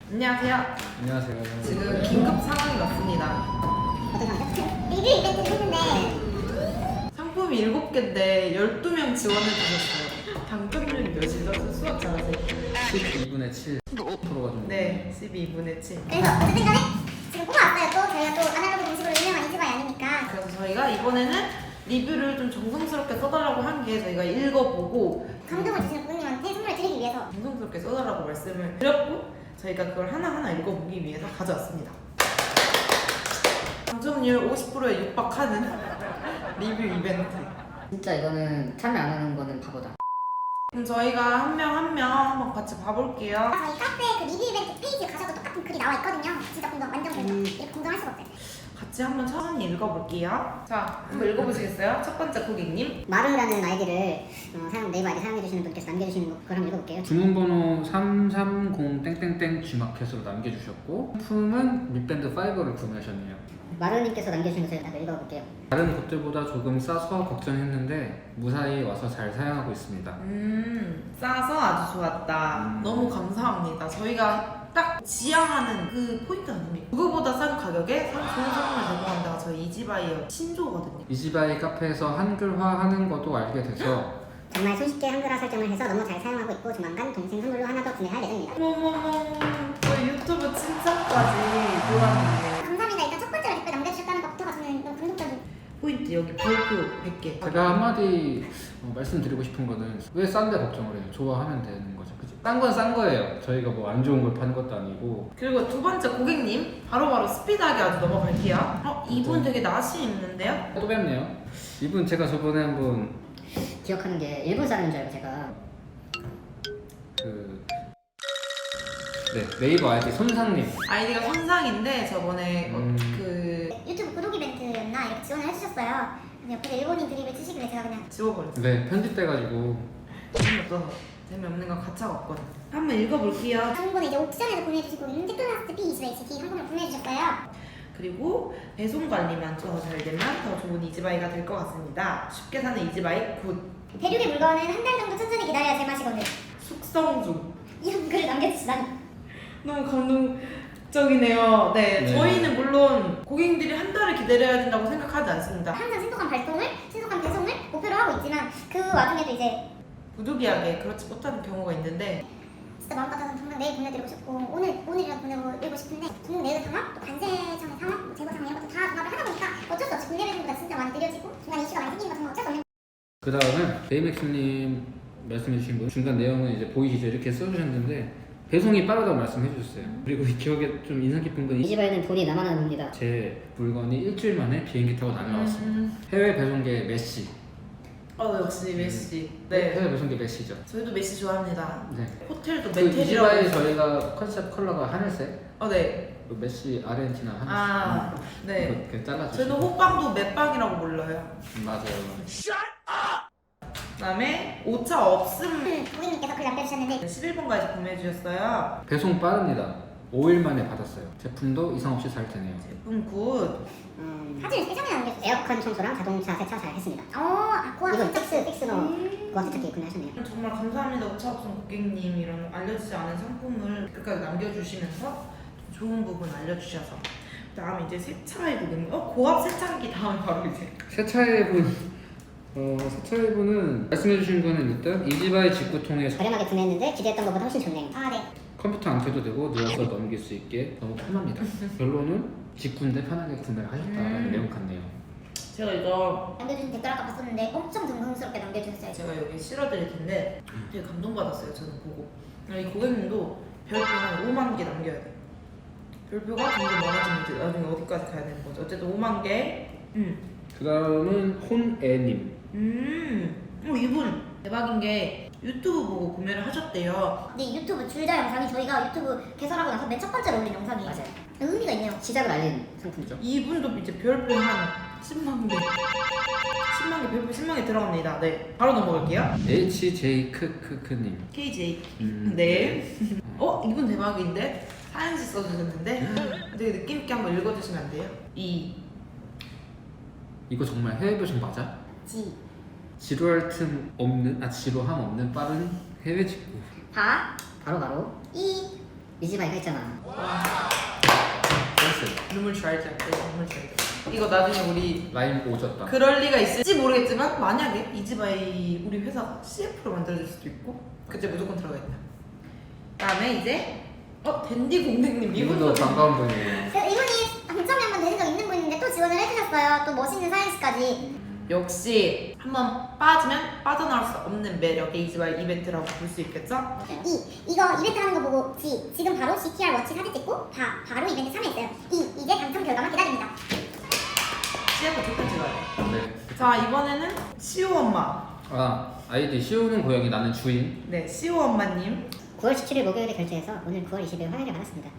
안녕하세요. 안녕하세요. 지금 긴급 상황이 왔습니다. 어떤 상황이죠? 리뷰 이벤트를 했는데 상품이 7개인데 12명 지원해 주셨어요. 당첨률이 몇이죠? 수학 잘하세요? 12분의 7%가 좀. 네, 12분의 7. 그래서 어쨌든 간에 지금 뽑아왔어요. 또 저희가 또 아날로그 음식으로 유명한 이지바이 아니니까. 그래서 저희가 이번에는 리뷰를 좀 정성스럽게 써달라고 한 게 저희가 읽어보고 감동을 주시는 고객님한테 선물을 드리기 위해서 정성스럽게 써달라고 말씀을 드렸고 저희가 그걸 하나하나 읽어보기 위해서 가져왔습니다. 당첨률 50%에 육박하는 리뷰 이벤트. 진짜 이거는 참여 안 하는 거는 바보다. 그럼 저희가 한 명 한 명 한번 같이 봐볼게요. 저희 카페 그 리뷰 이벤트 페이지에 가셔도 똑같은 글이 나와 있거든요. 진짜 공동 완전 공동. 이렇게 공동할 수가 없어요. 같이 한번 천천히 읽어볼게요. 자, 한번 읽어보시겠어요? 첫 번째 고객님. 마루라는 아이디를 네이버 아이디 사용해주시는 분께서 남겨주시는 걸 한번 읽어볼게요. 주문번호 330 G마켓으로 남겨주셨고 품은 립밴드 5를 구매하셨네요. 마루님께서 남겨주신 것을 다들 읽어볼게요. 다른 곳들보다 조금 싸서 걱정했는데 무사히 와서 잘 사용하고 있습니다. 싸서 아주 좋았다. 너무 감사합니다. 저희가 딱 지향하는 그 포인트 아닙니까? 그거보다 싼 가격에 좋은 상품을 제공하는 데가 저희 이지바이어 신조거든요. 이지바이 카페에서 한글화 하는 것도 알게 돼서 정말 손쉽게 한글화 설정을 해서 너무 잘 사용하고 있고 조만간 동생 선물로 하나 더 구매할 예정입니다. 어머머머, 저희 유튜브 칭찬까지 보았는데 감사합니다. 일단 첫 번째로 댓글 남겨주셨다는 것부터가 저는 너무 감동적인. 포인트 여기 별표 100개. 제가 한마디 말씀드리고 싶은 거는 왜 싼데 걱정을 해요? 좋아하면 되는 거죠. 그죠? 싼 건 싼 거예요. 저희가 뭐 안 좋은 걸 파는 것도 아니고. 그리고 두 번째 고객님 바로바로 스피드하게 아주 넘어갈게요. 이분 되게 낯이 있는데요? 또 뵙네요. 이분 제가 저번에 한번 기억하는 게 일본 사람인 줄 알고 제가 네이버 아이디 손상님. 아이디가 손상인데 저번에 그 유튜브 구독 이벤트였나 이렇게 지원을 해주셨어요. 근데 옆에 일본인 드립을 치시길래 제가 그냥 지워버렸어요. 네, 편집돼가지고 재미없어서 재미없는 건 가차가 없거든. 한번 읽어볼게요. 한번에 이제 옥션에서 보내주시고 인테크라스트 P21HT 한 번을 보내주셨어요. 그리고 배송 관리만 좀 잘 되면 더 좋은 이지바이가 될 것 같습니다. 쉽게 사는 이지바이 굿. 대륙의 물건은 한 달 정도 천천히 기다려야 제맛이거든. 숙성 중. 이런 글을 남겨주시다니. 너무 감동적이네요. 네, 네. 저희는 물론 고객님들이 한 달을 기다려야 된다고 생각하지 않습니다. 항상 신속한 발송을, 신속한 배송을 목표로 하고 있지만 그 와중에도 이제 부득이하게 그렇지 못하는 경우가 있는데 진짜 마음 같아서는 당장 내일 보내드리고 싶고 오늘이라도 보내드리고 싶은데 중국 내외 상황, 또 관세청의 상황, 뭐 재고 상황 이런 것도 다 종합을 하다 보니까 어쩔 수 없이 국내 배송보다 진짜 많이 느려지고 중간 이슈가 많이 생기는 건 정말 어쩔 수 없는. 그 다음에 베이맥스님 말씀해주신 분 중간 내용은 이제 보이시죠? 이렇게 써주셨는데 배송이 빠르다고 말씀해 주셨어요. 그리고 이 기억에 좀 인상 깊은 건 이지바이는 돈이 남아나는 겁니다. 제 물건이 일주일 만에 비행기 타고 날아왔습니다. 해외 배송계 메시. 역시 메시. 네, 해외 배송계 메시죠. 저희도 메시 좋아합니다. 네. 호텔도 그 메텔이라고. 이지바이 저희가 컨셉 컬러가 하늘색. 네. 그 메시 아르헨티나 하늘색. 아, 네. 그렇게 잘라주시고. 저희는 호빵도 맷빵이라고 불러요. 맞아요. 그다음에 오차 없음. 고객님께서 글 남겨주셨는데 11번까지 보내주셨어요. 배송 빠릅니다. 5일 만에 받았어요. 제품도 이상 없이 잘 되네요. 제품 굿. 사진을 3장에 남겨주셨어요. 에어컨 청소랑 자동차 세차 잘 했습니다. 고압 이건 픽스너 고압 세차기 구매하셨네요. 정말 감사합니다. 오차 없음 고객님 이런 알려지지 않은 상품을 끝까지 남겨주시면서 좋은 부분 알려주셔서. 그다음 이제 세차의 부분. 고압 세차기 다음 바로 이제. 세차의 분. 세차의 분은 말씀해주신 거는 일단 이지바이 직구통에 저렴하게 구매했는데 기대했던 것보다 훨씬 좋네요. 네. 컴퓨터 안 켜도 되고 누워서 넘길 수 있게 너무 편합니다. 결론은 직구인데 편하게 구매를 하셨다는 내용 같네요. 제가 이거 남겨주신 댓글 아까 봤었는데 엄청 정성스럽게 남겨주셨어요. 제가 여기 실어드릴 텐데 되게 감동받았어요. 저는 보고. 이 고객님도 별표 한 5만 개 남겨야 돼요. 별표가 점점 많아지면 이제 나중에 어디까지 가야 되는 거죠. 어쨌든 5만 개. 그 다음은 혼애님. 이분 대박인 게 유튜브 보고 구매를 하셨대요. 근데 이 유튜브 줄자 영상이 저희가 유튜브 개설하고 나서 맨 첫 번째로 올린 영상이에요. 맞아요. 의미가 있네요. 시작을 알린 상품이죠. 이분도 이제 별표 한 10만 개. 10만 개, 별표 10만 개 들어갑니다. 네. 바로 넘어갈게요. HJ 크크크님. KJ. 네. 이분 대박인데? 사연시 써주셨는데? 되게 느낌있게 한번 읽어주시면 안 돼요? 이거 정말 해외 배송 맞아? 지. 지루할 틈 없는 지루함 없는 빠른 해외 직구. 바. 바로 이. 이지바이가 있잖아. 센스. 눈물 쥐알지 않게 눈물 쥐알지. 이거 나중에 우리 라임 오졌다. 그럴 리가 있을지 모르겠지만 만약에 이지바이 우리 회사가 CF로 만들어질 수도 있고 그때 무조건 들어가 있다. 그다음에 이제 댄디 공댕님 이분도 반가운 분이에요. 그래서 이분이 당첨이 한번 되신 적 있는 분인데 또 지원을 해주셨어요. 또 멋있는 사연씨까지. 역시 한번 빠지면 빠져나올 수 없는 매력의 이지바이 이벤트라고 볼 수 있겠죠? 이거 이벤트 하는 거 보고 지금 바로 CTR 워치 사진 찍고 바로 이벤트 참여했어요. 이제 당첨 결과만 기다립니다. CF 조건 찍어야 돼. 네. 자 이번에는 시오 엄마. 아이디 시우는 고양이 나는 주인. 네 시오 엄마님. 9월 17일 목요일에 결제해서 오늘 9월 20일 화요일에 받았습니다.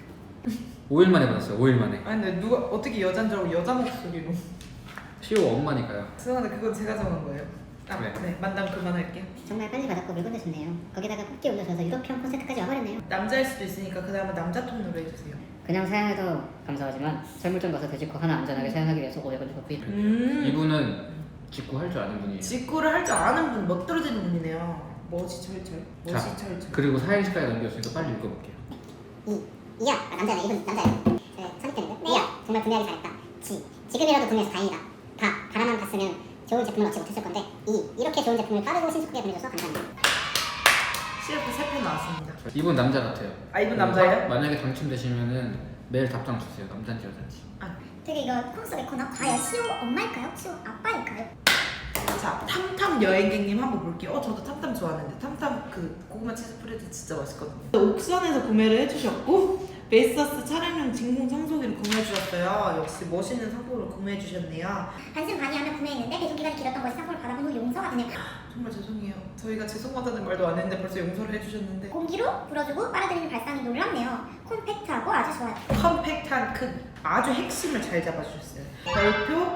5일 만에 받았어요. 5일 만에. 아니 근데 누가 어떻게 여잔 줄 알고 여자 목소리로. 시우 엄마니까요. 죄송한데 그건 제가 정한 거예요. 네. 네 만담 그만할게요. 정말 빨리 받았고 물건도 좋네요. 거기다가 뽑기 올려줘서 유럽형 콘센트까지 와버렸네요. 남자일 수도 있으니까 그 다음에 남자 톤으로 해주세요. 그냥 사용해도 감사하지만 철물점 가서 돼지코 하나 안전하게 사용하기 위해서 500원 주고 구입. 이분은 직구 할 줄 아는 분이에요. 직구를 할 줄 아는 분, 멋들어지는 분이네요. 멋이 철철. 멋이 자, 철철. 그리고 사행시까지 넘겼으니까 빨리 읽어볼게요. 이야 남자네. 이분 남자예요. 선입견인데. 이야 정말 구매하기 잘했다. 지금이라도 구매해서 다행이다. 바라만 봤으면 좋은 제품을 얻지 못했을 건데 이렇게 좋은 제품을 빠르고 신속하게 보내줘서 감사합니다. CF 3편 나왔습니다. 이분 남자 같아요. 아, 이분 남자예요? 만약에 당첨되시면은 매일 답장 주세요. 남잔지 여잔지. 되게 이거 콩속의 코너 과연 시오 엄마일까요? 시오 아빠일까요? 자, 탐탐 여행객님 한번 볼게요. 저도 탐탐 좋아하는데 탐탐 그 고구마 치즈 프레드 진짜 맛있거든요. 옥션에서 구매를 해주셨고 베이서스 차량용 진공 청소기를 구매해 주셨어요. 역시 멋있는 상품을 구매해 주셨네요. 반신반의하며 구매했는데 배송기간이 길었던 것이 상품을 받아본 후 용서가 되네요. 정말 죄송해요. 저희가 죄송하다는 말도 안 했는데 벌써 용서를 해주셨는데 공기로 불어주고 빨아들이는 발상이 놀랍네요. 콤팩트하고 아주 좋아요. 컴팩트한 큰 아주 핵심을 잘 잡아주셨어요. 별표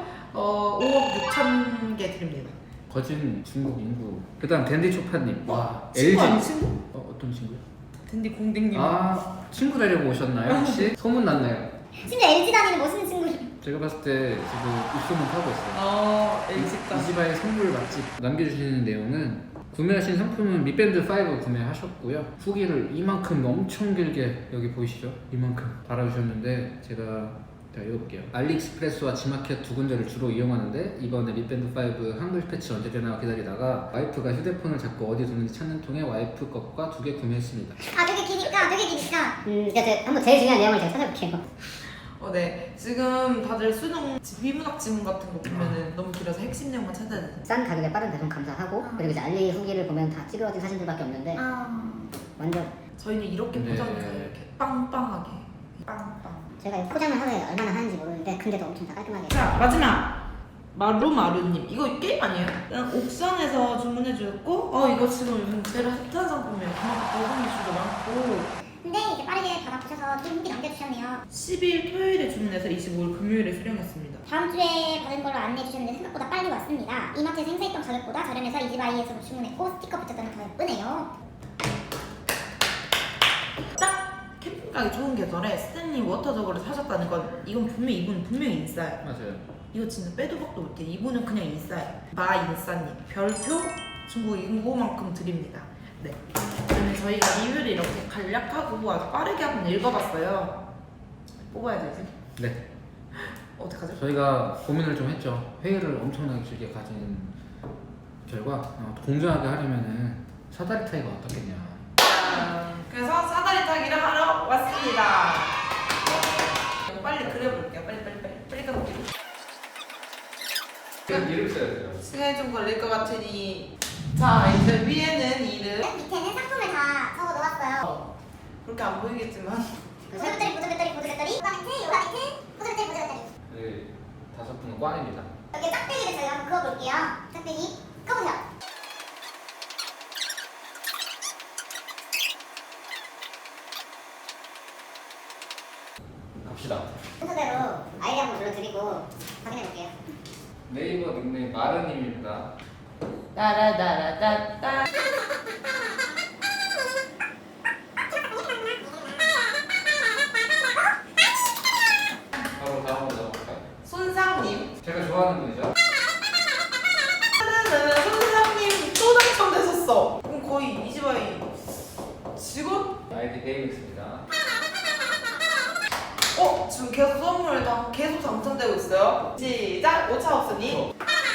5억 6천 개 드립니다. 거진 중국 인구. 그다음 댄디 초파님. 와 친구 아니 LG. 친구? 어떤 친구요? 댄디 공댕님. 친구 데리고 오셨나요 혹시? 소문 났나요? 심지어 LG 다니는 멋있는 친구를. 제가 봤을 때 지금 입소문 타고 있어요. LG가. 이지바이 선물 맛집 남겨주시는 내용은 구매하신 상품은 미밴드 5 구매하셨고요. 후기를 이만큼 엄청 길게 여기 보이시죠? 이만큼 달아주셨는데 제가 읽어볼게요. 알리익스프레스와 지마켓 두 군데를 주로 이용하는데 이번에 미밴드 5 한글 패치 언제 되나 기다리다가 와이프가 휴대폰을 자꾸 어디 두는지 찾는 통에 와이프 것과 2개 구매했습니다. 되게 기니까. 그러니까 한번 제일 중요한 내용을 제가 찾아볼게요. 네. 지금 다들 수능 비문학 지문 같은 거 보면은 너무 길어서 핵심 내용만 찾아야 돼요. 싼 가격에 빠른 배송 감사하고 그리고 이제 알리 후기를 보면 다 찌그러진 사진들밖에 없는데 완전 저희는 이렇게 네. 포장해서 이렇게 빵빵하게 빵빵. 제가 이 포장을 하루에 얼마나 하는지 모르는데 근데도 엄청 다 깔끔하게. 자 마지막 마루마루님 이거 게임 아니에요? 그냥 옥션에서 주문해 주셨고 이거 지금 요즘 제일 핫한 상품이에요. 그만큼 배송 이슈도 많고. 근데 이제 빠르게 받아보셔서 좀 후기 남겨주셨네요. 10일 토요일에 주문해서 25일 금요일에 수령했습니다. 다음 주에 받은 걸로 안내해 주셨는데 생각보다 빨리 왔습니다. 이마트에서 행사했던 가격보다 저렴해서 이지바이에서 주문했고 스티커 붙였다는 더 예쁘네요. 딱 캠핑 가기 좋은 계절에 스탠리 워터 저거를 사셨다는 건 이건 분명히 이분 분명히 인싸예요. 맞아요. 이거 진짜 빼도 박도 못해. 이분은 그냥 인싸예요. 마인싸님 별표 중국 인구만큼 드립니다. 네. 그러면 저희가 리뷰를 이렇게 간략하고 아주 빠르게 한번 읽어봤어요. 뽑아야 되지? 네. 어떡하죠? 저희가 고민을 좀 했죠. 회의를 엄청나게 길게 가진 결과 공정하게 하려면은 사다리 타기가 어떻겠냐. 그래서 사다리 타기를 하러 왔습니다. 빨리 그려볼게요. 빨리 가볼게요. 이름 써야 돼요. 시간이 좀 걸릴 것 같으니 자 이제 위에는 이름 밑에는 상품을 다 적어 놓았어요. 그렇게 안 보이겠지만 보드배터리, 요가매트, 보드배터리. 네, 5분은 꽝입니다. 여기 짝대기를 저희가 한번 그어볼게요. 짝대기 그어보세요. 갑시다. 순서대로 아이디 한번 불러드리고 확인해볼게요. 네이버 닉네임 마르님입니다. 따라따라따따 바로 다음으로 넘어갈까요? 손상님 제가 좋아하는 분이죠. 손상님 또 당첨되셨어. 그럼 거의 이지바이 직원? 아이디 베이믹스입니다. 지금 계속 선물 계속 당첨되고 있어요. 시작! 오차없으니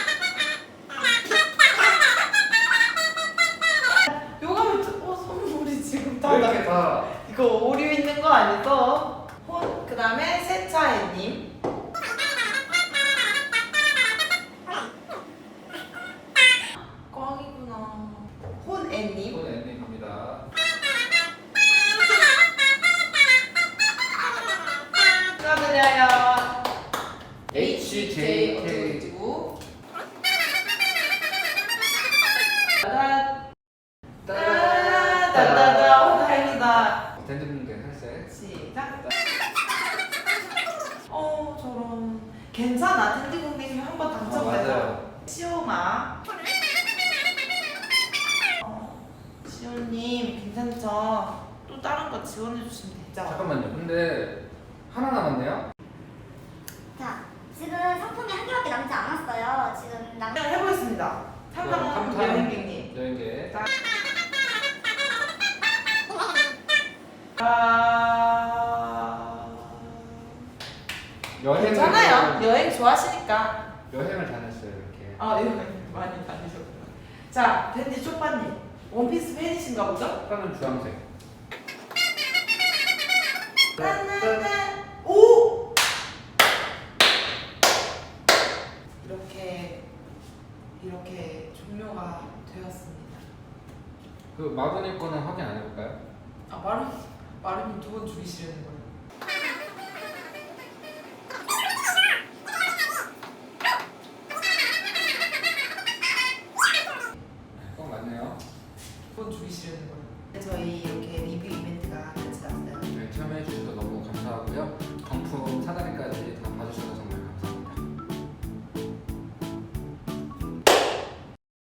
요감을 선물이 지금 다 이렇게 다 이거 오류 있는 거 아니죠? 그 다음에 세차애님 꽝이구나. 혼애님 이건 엔딩입니다. 축하드려요. HJK 어쩌고 따다다다다 다행이다. 댄드분들 살색. 시작. 저런 괜찮아. 텐디 공댕이 한번 당첨돼서 맞아요. 시오마. 시오님 괜찮죠? 또 다른 거 지원해 주시면 되죠? 잠깐만요. 근데 하나 남았네요. 자, 지금 상품이 한 개밖에 남지 않았어요. 지금 그냥 해보겠습니다. 탐탐 여행객님. 여행객. 여행을 괜찮아요. 여행 좋아하시니까. 여행을 다녔어요 이렇게. 여행 많이 다니셨구나. 자, 댄디 초빠님. 원피스 팬이신가 보죠? 색깔은 주황색. 딴딴딴. 오! 이렇게 종료가 되었습니다. 그 마그니 거는 확인 안 해볼까요? 마름님 두 번 죽이시려는 거예요. 꼭 맞네요. 두 번 죽이시려는 거예요. 저희 이렇게 리뷰 이벤트가